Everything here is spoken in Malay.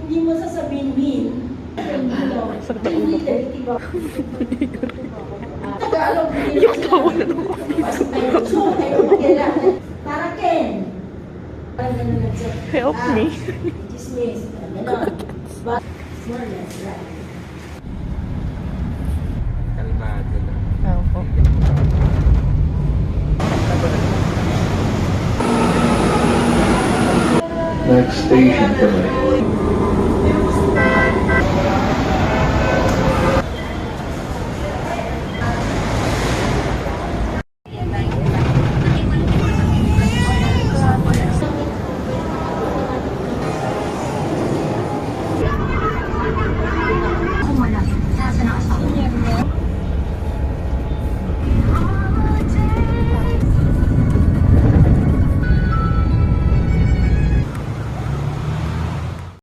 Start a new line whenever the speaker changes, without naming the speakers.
hindi mo sasabihin win.
Sakit ang ulo ko.
Tagalog, hindi
Yung tawa na ng
para Ken.
Help me.
Dismiss. Ganon. But, more or less, right?
Kalmado lang.
Opo.
Next station for me.